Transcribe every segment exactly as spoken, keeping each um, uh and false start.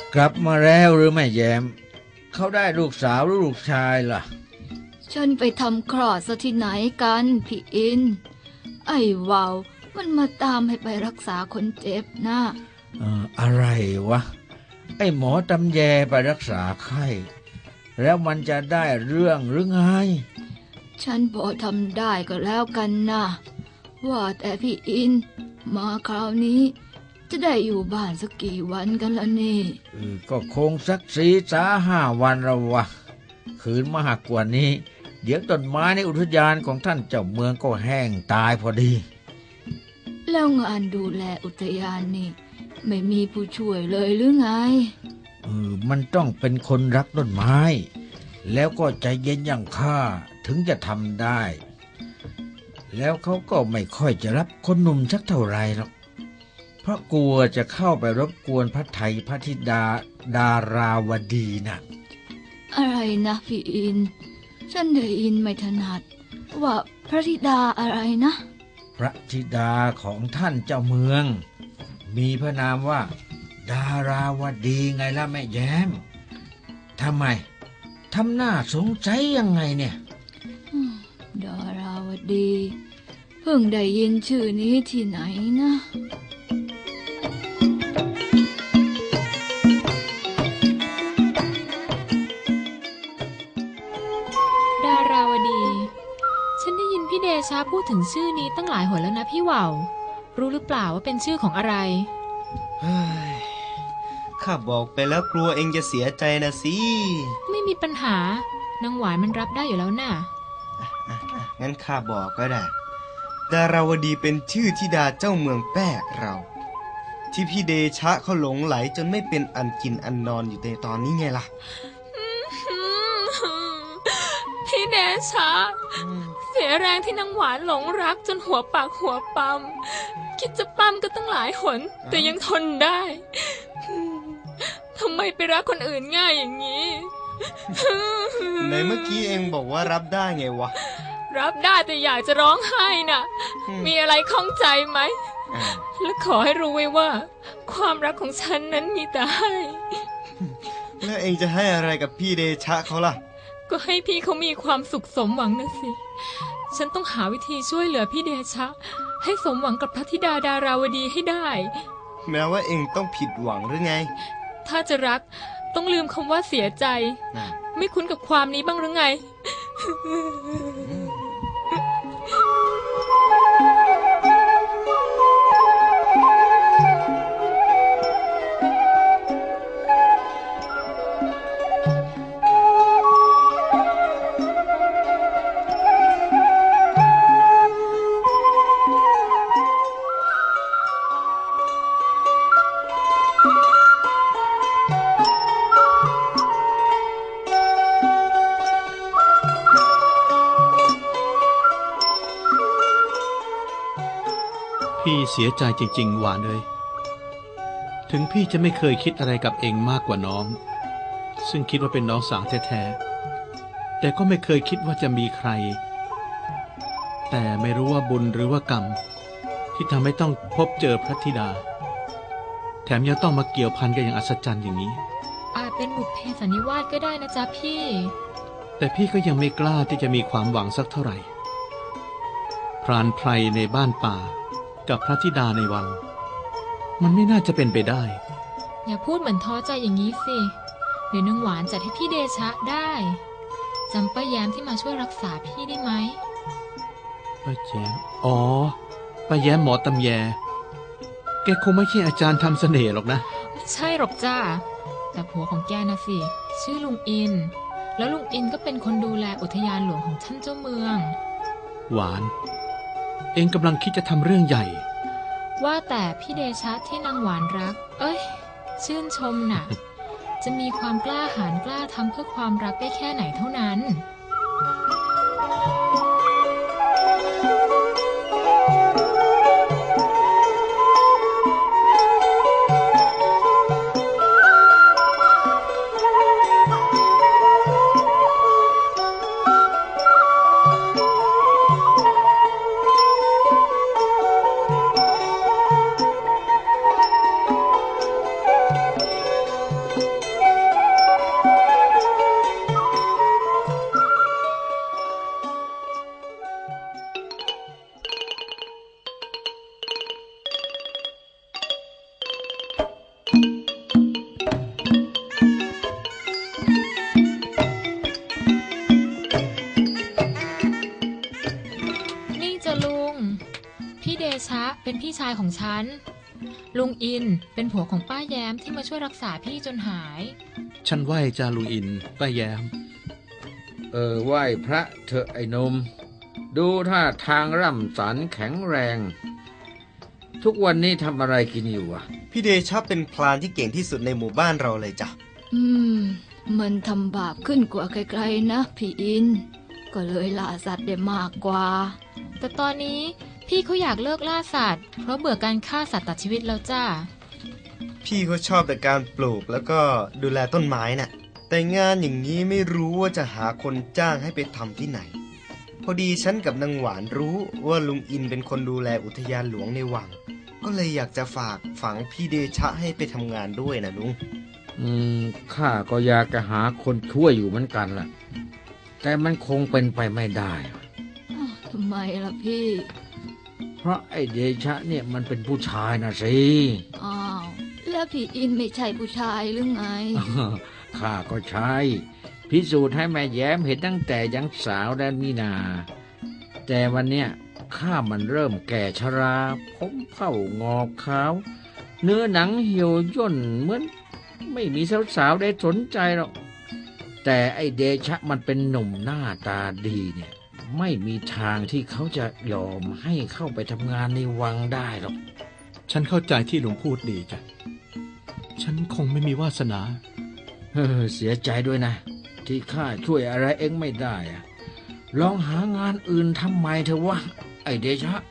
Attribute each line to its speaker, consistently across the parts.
Speaker 1: กลับมาแล้วหรือไม่แย้มเขาได้ลูกสาวหรือลูกชายล่ะ
Speaker 2: ฉันไปทำคลอดซะที่ไหนกันพี่อินไอ้วาวมันมาตามให้ไปรักษาคนเจ็บนะ
Speaker 1: เอ่ออะไรวะไอ้หมอตำแยไปรักษาไข้แล้วมันจะได้เรื่องหรือไง
Speaker 2: ฉันพอทำได้ก็แล้วกันนะว่าแต่พี่อินมาคราวนี้จะได้อยู่บ้านสักกี่วันกันล่ะนี่
Speaker 1: เออก็คงสักสี่สาห้าวันละวะคืนมากกว่านี้เดี๋ยวต้นไม้ในอุทยานของท่านเจ้าเมืองก็แห้งตายพอดี
Speaker 2: แล้วงานดูแลอุทยานนี่ไม่มีผู้ช่วยเลยหรือไง
Speaker 1: เออมันต้องเป็นคนรักต้นไม้แล้วก็ใจเย็นอย่างข้าถึงจะทำได้แล้วเขาก็ไม่ค่อยจะรับคนหนุ่มสักเท่าไรหรอกเพราะกลัวจะเข้าไปรบกวนพระไทยพระธิดาดาราวดีนะ
Speaker 2: อะไรนะพี่อินฉันได้ยินไม่ถนัดว่าพระธิดาอะไรนะ
Speaker 1: พระธิดาของท่านเจ้าเมืองมีพระนามว่าดาราวดีไงล่ะแม่แย้มทำไมทำหน้าสงสัยยังไงเนี่ย
Speaker 2: ดาราวดีเพิ่งได้ยินชื่อนี้ที่ไหนนะ
Speaker 3: ดาราวดีฉันได้ยินพี่เดชะพูดถึงชื่อนี้ตั้งหลายหนแล้วนะพี่ว่าวรู้หรือเปล่าว่าเป็นชื่อของอะไร
Speaker 4: เฮ้ยข้าบอกไปแล้วกลัวเองจะเสียใจนะสิ
Speaker 3: ไม่มีปัญหานางหวานมันรับได้อยู่แล้วน่ะ
Speaker 4: งั้นข้าบอกก็ได้ดาราวดีเป็นชื่อธิดาเจ้าเมืองแป้เราที่พี่เดชะเขาหลงไหลจนไม่เป็นอันกินอันนอนอยู่ในตอนนี้ไงล่ะ
Speaker 3: พี่เดชะเสียแรงที่นางหวานหลงรักจนหัวปากหัวปั๊มคิดจะปั๊มก็ตั้งหลายหนแต่ยังทนได้ทำไมไปรักคนอื่นง่ายอย่างนี้
Speaker 4: ในเมื่อกี้เองบอกว่ารับได้ไงวะ
Speaker 3: รับได้แต่อยากจะร้องไห้น่ะมีอะไรข้องใจไหมและขอให้รู้ไว้ว่าความรักของฉันนั้นมีแต่ให้
Speaker 4: แล้วเองจะให้อะไรกับพี่เดชะเขาล่ะ
Speaker 3: ก็ให้พี่เขามีความสุขสมหวังนะสิฉันต้องหาวิธีช่วยเหลือพี่เดชะให้สมหวังกับพระธิดาดาราวดีให้ได้
Speaker 4: แม้ว่าเองต้องผิดหวังหรือไง
Speaker 3: ถ้าจะรักต้องลืมคำว่าเสียใจไม่คุ้นกับความนี้บ้างหรือไง
Speaker 5: พี่เสียใจจริงๆหวานเลยถึงพี่จะไม่เคยคิดอะไรกับเองมากกว่าน้องซึ่งคิดว่าเป็นน้องสาวแท้ๆแต่ก็ไม่เคยคิดว่าจะมีใครแต่ไม่รู้ว่าบุญหรือว่ากรรมที่ทำให้ต้องพบเจอพระธิดาแถมยังต้องมาเกี่ยวพันกันอย่างอัศจรรย์อย่างนี้
Speaker 3: อาจเป็นบุพเพสันนิวาสก็ได้นะจ๊ะพี่
Speaker 5: แต่พี่ก็ยังไม่กล้าที่จะมีความหวังสักเท่าไหร่พรานไพรในบ้านป่ากับพระธิดาในวังมันไม่น่าจะเป็นไปได้
Speaker 3: อย่าพูดเหมือนท้อใจอย่างนี้สิเดี๋ยวนางหวานจัดให้พี่เดชะได้จำป้าแย้มที่มาช่วยรักษาพี่ได้ไหม
Speaker 5: ป้าแย้มอ๋อป้าแย้มหมอตำแยแกคงไม่ใช่อาจารย์ทำเสน่ห์หรอกนะ
Speaker 3: ไม่ใช่หรอกจ้าแต่ผัวของแกนะสิชื่อลุงอินแล้วลุงอินก็เป็นคนดูแลอุทยานหลวงของท่านเจ้าเมือง
Speaker 5: หวานเองกำลังคิดจะทำเรื่องใหญ่
Speaker 3: ว่าแต่พี่เดชะที่นางหวานรักเอ้ยชื่นชมน่ะ จะมีความกล้าหาญกล้าทำเพื่อความรักได้แค่ไหนเท่านั้น
Speaker 4: พ
Speaker 3: เดชะเป็นพี่ชายของฉันลุงอินเป็นผัวของป้าแย้มที่มาช่วยรักษาพี่จนหาย
Speaker 5: ฉันไหว้จาลุงอินป้าแย้ม
Speaker 1: เออไหว้พระเถอะไอ้หนม ดูท่าทางร่ำสันแข็งแรง ทุกวันนี้ทำอะไรกินอยู่อ่ะ
Speaker 4: พี่เดชะเป็นพรานที่เก่งที่สุดในหมู่บ้านเราเลยจ้ะ
Speaker 2: อืม มันทำบาปขึ้นกว่าไกลๆนะพี่อิน ก็เลยล่าสัตว์ได้มากกว่า
Speaker 3: แต่ตอนนี้พี่เขาอยากเลิกล่าสัตว์เพราะเบื่อการฆ่าสัตว์ตัดชีวิตแล้วจ้า
Speaker 4: พี่เขาชอบแต่การปลูกแล้วก็ดูแลต้นไม้น่ะ แต่งานอย่างนี้ไม่รู้ว่าจะหาคนจ้างให้ไปทำที่ไหน พอดีฉันกับนางหวานรู้ว่าลุงอินเป็นคนดูแลอุทยานหลวงในวัง ก็เลยอยากจะฝากฝังพี่เดชะให้ไปทำงานด้วยนะลุง
Speaker 1: อืมข้าก็อยากจะหาคนช่วยอยู่เหมือนกันล่ะ แต่มันคงเป็นไปไม่ได้
Speaker 2: อ้าวทำไมล่ะพี่
Speaker 1: เพราะไอ้เดชะเนี่ยมันเป็นผู้ชายนะสิ
Speaker 2: อ้าว แล้วพี่อินไม่ใช่ผู้ชายหรือไง
Speaker 1: ข้าก็ใช่พิสูจน์ให้แม่แย้มเห็นตั้งแต่ยังสาวแดนมีนา แต่วันเนี้ยข้ามันเริ่มแก่ชราผมเผ่างอกขาว เนื้อหนังเหี่ยวย่นเหมือนไม่มีสาวๆได้สนใจหรอกแต่ไอ้เดชะมันเป็นหนุ่มหน้าตาดีเนี่ยไม่มีทางที่เขาจะยอมให้เข้าไปทำงานในวังได้หรอก
Speaker 5: ฉันเข้าใจที่ลุงพูดดีจ้ะฉันคงไม่มีวาสนา
Speaker 1: เออเสียใจด้วยนะ ที่ข้าช่วยอะไรเองไม่ได้อะลองหางานอื่นทำไมเถอะวะไอ้เดชะ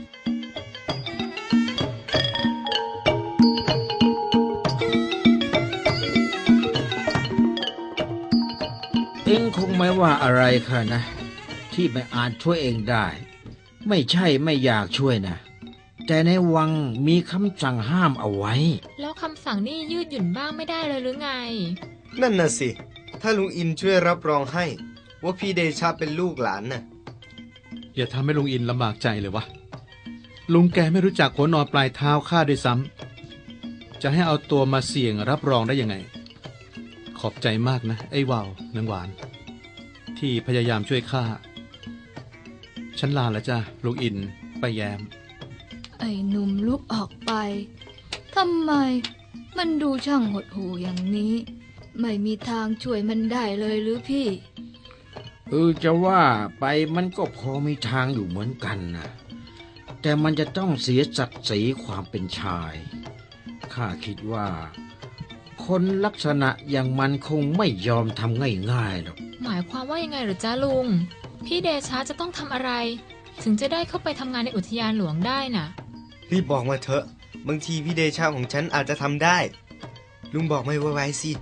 Speaker 1: เองคงไม่ว่าอะไรค่ะนะ ที่ไม่อาจช่วยเองได้ ไม่ใช่ไม่อยากช่วยนะ แต่ในวังมีคำสั่งห้ามเอาไว้
Speaker 3: แล้วคำสั่งนี่ยืดหยุ่นบ้างไม่ได้เลยหรือไง
Speaker 4: นั่นน่ะสิ ถ้าลุงอินช่วยรับรองให้ ว่าพี่เดชะเป็นลูกหลานน่ะ
Speaker 5: อย่าทำให้ลุงอินลำบากใจเลยวะลุงแกไม่รู้จักหัวนอนปลายเท้าข้าด้วยซ้ำจะให้เอาตัวมาเสี่ยงรับรองได้ยังไง ขอบใจมากนะไอ้วาวนางหวาน ที่พยายามช่วยข้าฉันลาแล้วจ้ะลุงอินป้าแย้ม
Speaker 2: ไอ้หนุ่มลุกออกไปทำไมมันดูช่างหดหู่อย่างนี้ ไม่มีทางช่วยมันได้เลยหรือพี่
Speaker 1: เออจะว่าไปมันก็พอมีทางอยู่เหมือนกันนะแต่มันจะต้องเสียศักดิ์ศรีความเป็นชายข้าคิดว่า คนลักษณะอย่างมันคงไม่ยอมทำง่ายๆหรอก
Speaker 3: หมายความว่ายังไงหรือจ้าลุง พี่เดชะจะต้องทำอะไร ถึงจะได้เข้าไปทำงานในอุทยานหลวงได้น่ะ
Speaker 4: รีบบอกมาเถอะ บางทีพี่เดชะของฉันอาจจะทำได้ ลุงบอกไม่ไวๆสิ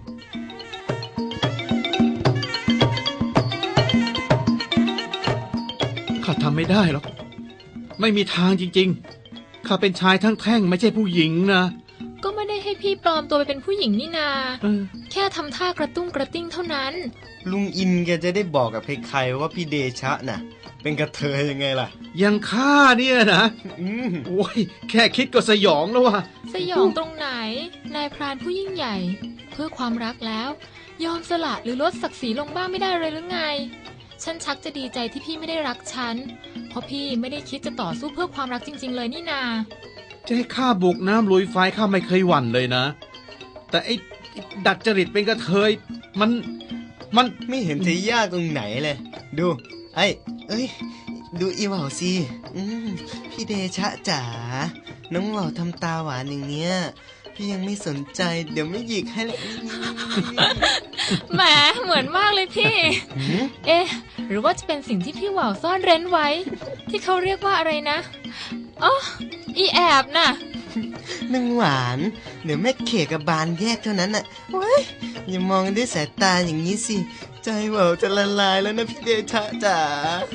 Speaker 5: ข้าทำไม่ได้หรอกไม่มีทางจริงๆข้าเป็นชายทั้งแท่งไม่ใช่ผู้หญิงนะ
Speaker 3: ก็ไม่ได้ให้พี่ปลอมตัวไปเป็นผู้หญิงนี่นา
Speaker 5: เออ
Speaker 3: แค่ทำท่ากระตุ้งกระติ้งเท่านั้น
Speaker 4: ลุงอินแกจะได้บอกกับใครๆว่าพี่เดชะน่ะ เป็นกระเทยยังไงล่ะ
Speaker 5: ยังข้าเนี่ยนะ
Speaker 4: อืม
Speaker 5: โอ้ยแค่คิดก็สยองแล้วว่ะ
Speaker 3: สยองตรงไหน นายพรานผู้ยิ่งใหญ่ เพื่อความรักแล้ว ยอมสละหรือลดศักดิ์ศรีลงบ้างไม่ได้เลยหรือไง ฉันชักจะดีใจที่พี่ไม่ได้รักฉัน เพราะพี่ไม่ได้คิดจะต่อสู้เพื่อความรักจริงๆเลยนี่นา
Speaker 5: จะให้ข้าบุกน้ำลุยไฟข้าไม่เคยหวั่นเลยนะ แต่ไอ้ดัดจริตเป็นกระเทยมันมัน
Speaker 4: ไม่เห็นจะยากตรงไหนเลย ดู ไอ้ เอ้ย ดูอีเหว่าสิอืมพี่เดชะจ๋า น้องเหว่าทำตาหวานอย่างเนี้ย พี่ยังไม่สนใจ เดี๋ยวไม่หยิกให้เลย
Speaker 3: แหมเหมือนมากเลยพี่
Speaker 4: หืม
Speaker 3: เอ๊ะ หรือว่าจะเป็นสิ่งที่พี่หว่าวซ่อนเร้นไว้ ที่เขาเรียกว่าอะไรนะอ๋ออีแอบน่ะ
Speaker 4: นางหวาน เดี๋ยวแม่เขกับบานแยกเท่านั้นน่ะเว้ยอย่ามองด้วยสายตาอย่างนี้สิ ใจเหว่าจะละลายแล้วนะพี่เดชะจ๋า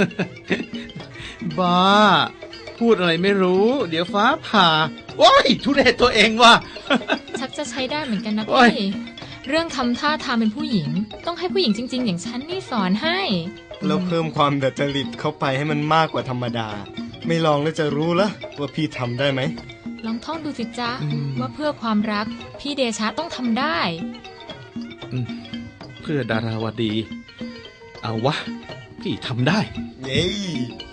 Speaker 5: บ้า พูดอะไรไม่รู้ เดี๋ยวฟ้าผ่าโอ้ยทุเรศตัวเองว่ะ
Speaker 3: ชักจะใช้ได้เหมือนกันนะ
Speaker 5: โอ๊
Speaker 3: พี่
Speaker 5: ย
Speaker 3: เรื่องทำท่าทางเป็นผู้หญิง ต้องให้ผู้หญิงจริงๆ อย่างฉันนี่สอนให้
Speaker 4: แล้วเพิ่มความดัดจริตเข้าไปให้มันมากกว่าธรรมดา ไม่ลองแล้วจะรู้ละว่าพี่ทำได้ไหม
Speaker 3: ลองท่องดูสิจ๊ะ
Speaker 5: อืม
Speaker 3: ว่าเพื่อความรัก พี่เดชะต้องทำได้
Speaker 5: อืมเพื่อดาราวดี เอาวะ พี่ทำได้
Speaker 4: เย้